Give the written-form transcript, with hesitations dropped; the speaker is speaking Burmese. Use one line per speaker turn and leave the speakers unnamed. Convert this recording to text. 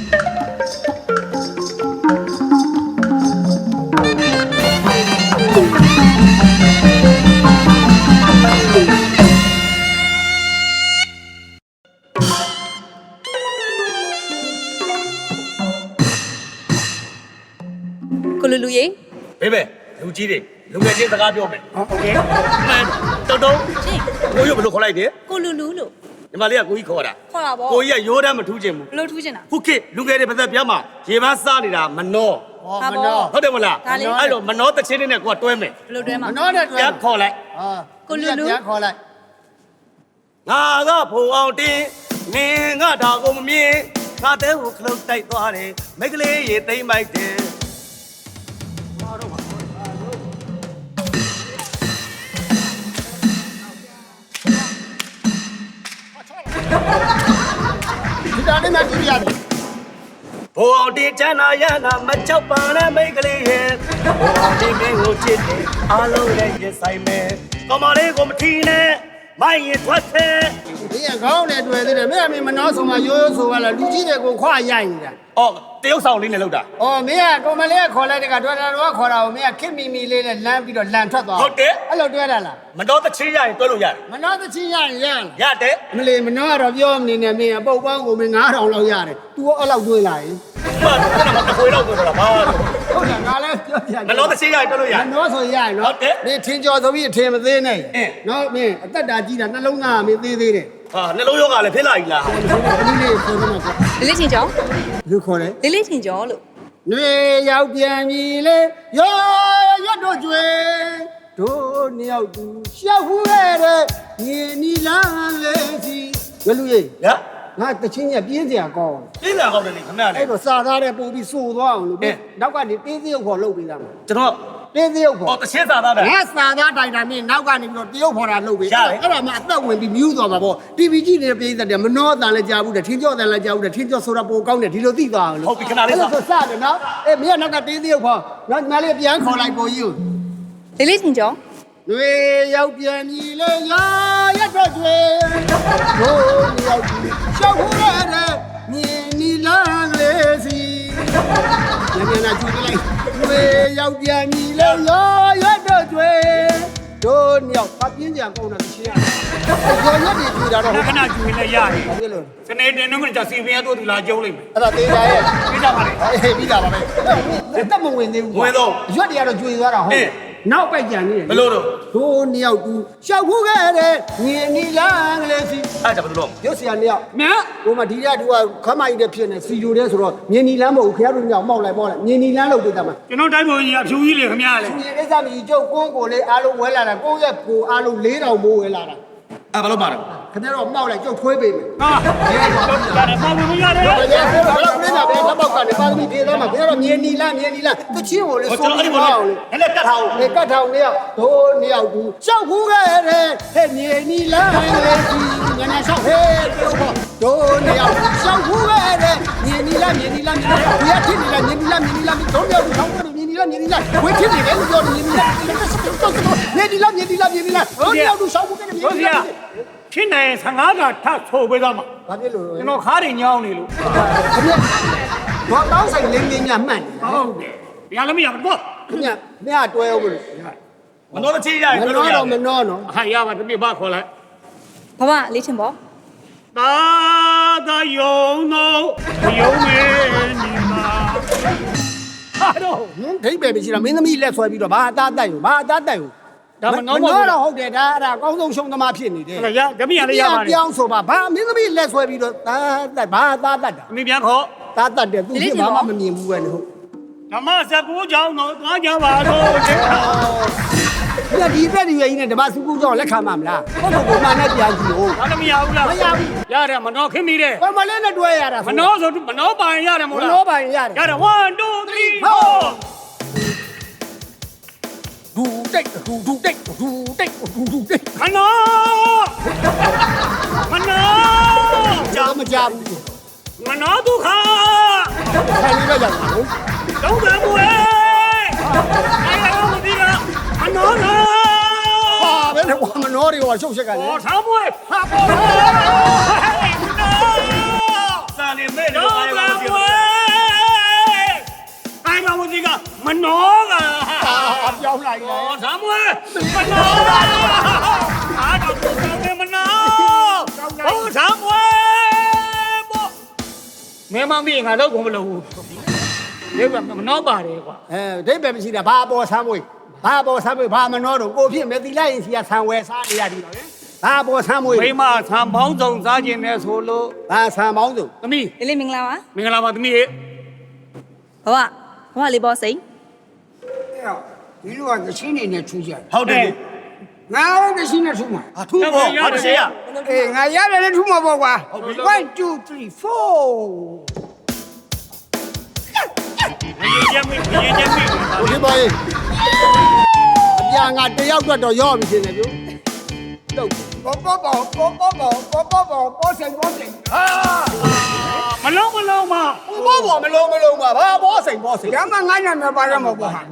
ကိုလူလူရေ
ဘေးပဲလူကြီးတွေလူငယ်ချင်းစကားပြောမယ်
โอเค
မှန်တုံ
ရှင်
ကိုရုပ်ဘယ်လိုခေါ်လိုက်တယ်
ကိုလူလူလို့
ညီမလေးကကိုကြီးခေါ်တာ
ပေါ့
ကိုကြီးကရိုးတမ်းမထူးချင်ဘူး
ဘလို့ထူးချင်တာ
ခုခေတ်လူငယ်တွေပါသက်ပြားမှာရေပန်းစားနေတာမနှော
မနော
ဟုတ်တယ်မလားအဲ့တော့မနှောတချင်းနဲ့ကိုကတွဲမယ်
ဘလို့တွဲမှာ
မနောနဲ့တွဲ
ပြန်ခေါ်လိုက်
ကိုလူလူ
ပြန်ခေါ်လိုက်
ငါကဖိုးအောင်တင်းနင်းငါဒါကိုမမြင်ငါတဲကိုခလုတ်တိုက်သွားတယ်မိတ်ကလေးရေသိမ့်မိုက်တယ်
ဒီတာလေးမှကြည့်ရတယ်
ဘိုးအောင်တင်းချမ်းသာရနာမချောက်ပါနဲ့မိတ်ကလေးရဲ့ဘိုးအောင်တင်းမင်းကိုချစ်တယ်အားလုံးနဲ့ရင်ဆိုင်မယ်ကောမလေးကိုမထီးနဲ့မိုင်းရင်ထွက်တယ်
ဒီကခေါင်းနဲ့တွေ့သေးတယ်မင်းအမေမနှောဆုံးမရိုးရိုးဆိုပါလားလူကြီးတွေကိုခွာရိုက်နေတာ
အော်တရုတ်ဆောင်လေးနဲ့လောက်တာ
အော်မင်းကကောင်မလေးကခေါ်လိုက်တဲ့ကတော်တော်ခေါ်တာကိုမင်းကခစ်မီမီလေးနဲ့လမ်းပြီးတော့လန်ထွက်သွား
ဟုတ်တယ်
အဲ့လိုတွဲတာလား
မတော်တချင်းရရင်တွဲလို့ရတယ်
မနှောသချင်းရရင်
ရတယ်
မလေးမနှောကတော့ပြောမနေနဲ့မင်းကပုတ်ပန်းကိုမင်း9000လောက်ရတယ် तू ရောအဲ့လောက်တွဲလာရင်
မှန်တယ်မတခွေတော့တွဲတာဘာလို့
ဟုတ်တယ်ငါလည်းပြောပြ
မတော်တချင်းရရင်တွဲလို့ရ
မနှောဆိုရရင်နော်မင်းထင်းကြော်ဆိုပြီးအထင်မသေးနဲ့နော်မင်းအသက်တာကြီးတာနှလုံးသားမင်းသေးသေးတယ်
ဟာနှလုံးရောဂါလည်းဖြစ်လာပြီလား
ဒီလေးဆိုတော့
လေးချင်းကျော်
လူခေါ်တယ်
လေးချင်းကျော်လို့
နှွေရောက်ပြန်ပြီလေရောရွတ်တို့ကျွေတို့နှစ်ယောက်သူရှောက်ဟူးခဲ့တဲ့ညီနီလန်းလေးစီရွလူကြီး
ရ
ငါတချင်းကြီးပြင်းစရာကောင်း
ပြင်းစရာကောင်းတယ်လေခင်ဗျာလေ
အဲ့တော့စာသားတဲ့ပုံပြီးစိုးသွားအောင်လို့နောက်ကနေတင်းစရုပ်ခေါ်လုပ်ပေးတာမှာ
ကျွန်တော်
တင်းစရုပ်ခေါ်
ဟောတချင်းစာသားတယ်
ငါစာသားတိုင်တာမင်းနောက်ကနေပြီးတော့တရုပ်ခေါ်တာလုပ်ပေးအဲ့ဒါမှအသက်ဝင်ပြီးမြူးသွားမှာပေါ့ TV ကြည့်နေတဲ့ပြည်သက်တယ်မနှောတန်လည်းကြားဘူးတယ်ထင်းကြော့တန်လည်းကြားဘူးတယ်ထင်းကြော့ဆိုတာပိုကောင်းတယ်ဒီလိုသိသွားအောင်လို့
ဟုတ်ပြီခဏလေးဆို
စတယ်နော်အေးမင်းကနောက်ကတင်းစရုပ်ခေါ်နောက်ညီမလေးပြန်ခေါ်လိုက်ပုံကြီးကို
လေးချင်းကျော်
နှွေရောက်ပြန်ပြီလေရာရက်တော့ကျွေတို့နှစ်ယောက်သူရှောက်ဟူးခဲ့တဲ့ညီနီလန်းလေးစီညနေနာကျူလိုက်နှွေရောက်ပြန်ပြီလေရာရက်တော့ကျွေတို့နှစ်ယောက်အပြင်းကြံကုန်တာသိရတယ်ရော်ရက်တွေကျူတာတော့
ခဏကျူနေလည်းရတယ်
ဘာဖြစ်လို့
စနေတင်တော့ကစီပင်ရတော့သူလာကျုံးလိမ့်မယ်
အဲ့ဒါသေးကြရဲ့
ပြီးတာပါလေ
အေးပြီးတာပါပဲတက်မဝင်သေးဘူး
ဝင်တော့
ရွက်တွေကတော့ကျူသွားတာဟုတ်နောက်ပိုက်ကြံနေတယ်
ဘလို့တော့
တို့နှစ်ယောက်သူရှောက်ခုခဲ့တဲ့ငင်းနီလန်းကလေးစီ
အဲ့ဒါဘယ်လို
ရုပ်ဆရာနှစ်ယောက်မင်းဟိုမှာဒီကသူကခမိုက်တဲ့ဖြစ်နေစီဂျိုတဲ့ဆိုတော့ငင်းနီလန်းမဟုတ်ဘူးခင်ဗျားတို့ညောင်မောက်လိုက်ငင်းနီလန်းလုပ်ပေးတာမှာ
ကျွန်တော်တိုင်းပုံကြီးအဖြူကြီးလေခင်ဗျားလေ
ဒီကိစ္စမကြီးကျုပ်ကုန်းကိုလေးအားလုံးဝဲလာတာကုန်းရဲ့ကိုအားလုံး4000မိုးဝဲလာတာ
အဲ့ဘာလို့ပါလဲ
ခင်ဗျားတော့မောက်လိုက်ကျုပ်ထွေးပေးမယ်
ဟာရတယ်ပါဝင်မရတယ်
ဘယ်လိုနေတာပဲလက်ပေါက်ကနေပါသမီးပြေးသွားမှာခင်ဗျားတော့ငင်းနီလန်းတချင်းကိုလေးစိုးပြီးပါအောင်
လေအဲ့ကတ်ထားအောင်
လေကတ်ထောင်နှစ်ယောက်တို့နှစ်ယောက်သူရှောက်ခုခဲ့တဲ့ဟဲ့ငင်းနီလန်းလေးကြီးညနေရှောက်ဟဲ့တို့နှစ်ယောက်ရှောက်ခုခဲ့တဲ့ငင်းနီလန်းဒီကဖြစ်နေလားငင်းနီလန်းတို့နှစ်ယောက်သူထောင်းတယ်ငင်းနီလန်းဝေးဖြစ်နေတယ်လို့ပြောတယ်ငင်းနီလန်းတို့နှစ်ယောက်သူရှောက်ခုခဲ့တဲ့
တို့ဆရာဖြစ်နေ15ကထဆိုပေးသားမှာ
ဘာဖြစ်လို့
ကျွန်တော်ခါးတွေညောင်းနေလို့
ခင်ဗျဘာတောင်းဆိုင်လင်းညမှတ်
နေဟုတ်တယ်ရလည်းမရဘူးပေါ့
ခင်ဗျမရတွဲအောင်လို့
မနှောတချင်းရရင်
တွဲလို့ရတယ်မနှောနော်
ဟာရပါတပြည့်ပါခေါ်လိုက်
ဘဝလေးချင်းပေါ့
တာသာယုံတော့ယုံနေနေမှာဟာတော့
ဒိတ်ပဲမရှိတာမင်းသမီးလက်ဆွဲပြီးတော့ဘာအသားတိုက်ဘူးဒါမနှောတော့ဟုတ်တယ်ဒါအဲ့ဒါအကောင်းဆုံးရှုံးသမားဖြစ်နေတယ်
ရဓမီရလေးရပါတယ်
ပြောင်းဆိုပါဘာမင်းသမီးလက်ဆွဲပြီးတော့သားတိုက်တာ
အမိပြန်ခေါ်
သားတိုက်တယ်သူကဘာမှမမြင်ဘူးပဲဟုတ်
ဓမ္မစကူကြောင်းတော့သွားကြပါတော့
ဒီဘက်ဒီရဲ့ကြီးနဲ့ဓမ္မစကူကြောင်းလက်ခံမှာမလားဟုတ်ကိုမှန်နဲ့ပြန်ကြည့်ဟုတ်
ဘာလို့မရဘူးလား
မရဘူး
ရတယ်မနှောခင်းမိတယ်
ဘာမလဲနဲ့တွဲရတာ
မနှောဆိုမနှောပိုင်ရတယ်မဟုတ်လား
မနှောပိုင်ရတယ်
1 2 3 4
ဒူတိတ်ခဏကြားမကြဘူး
မနှောဒုက္ခ
ခိုင်လေးပဲရအောင်
တော့ကမွေအဲ့ဒါမသိလားမနှောလား
ဟာဘယ်နဲ့မနှောတွေကရှုပ်ရှက်ကလေ
ဟောထားမွေဟာပေါ်စာနေမဲ့တော့ကမွေ
င်းလိုက်တယ်
ဇာမွေမနာအားတော့ကောင်းတယ်မနာဟောဇာမွေဘောမင်းမမင်းငါတော့ဘုံမလို့ဒီကမနှောပါတယ်ကွာ
ဒိတ်ပဲမရှိတာဘာပေါ်ဆမ်းမွေးဘာပေါ်ဆမ်းမွေးဘာမနှောတော့ကိုဖြစ်မယ်တီလိုက်ရင်စီကဆံဝဲစားနေရတယ်နော်ဘာပေါ်ဆမ်းမွေး
မိမဆံပေါင်းစုံစားခြင်းနဲ့ဆိုလို့
ဘာဆံပေါင်းစုံ
သမီး
လေးလေးမင်္ဂလာပါ
မင်္ဂလာပါသမီးရေ
ဘဝလေးပေါ်စိန်
ဒီလိုကချင်းနေနဲ့ထူးကြတယ်
ဟုတ်တယ်
ငါလည်းတချင်းနဲ့ထူးမှာ
ထူးဖို့ဟာတရှိရ
အေးငါရတယ်လည်းထူးမှာပေါ့ကွာ1 2 3 4
ရေချမ်းမိရေချမ်းမိ
ဟိုဒီပါရေးအပြာငါတယောက်တော့ရောပြီရှင်လေပြုတော့ပေါ်ဆိုင်
မလုံးမ
ဘာဘောစိန်ဒါမှငါ့နာမည်ပါရမှာပေါ့ဟာ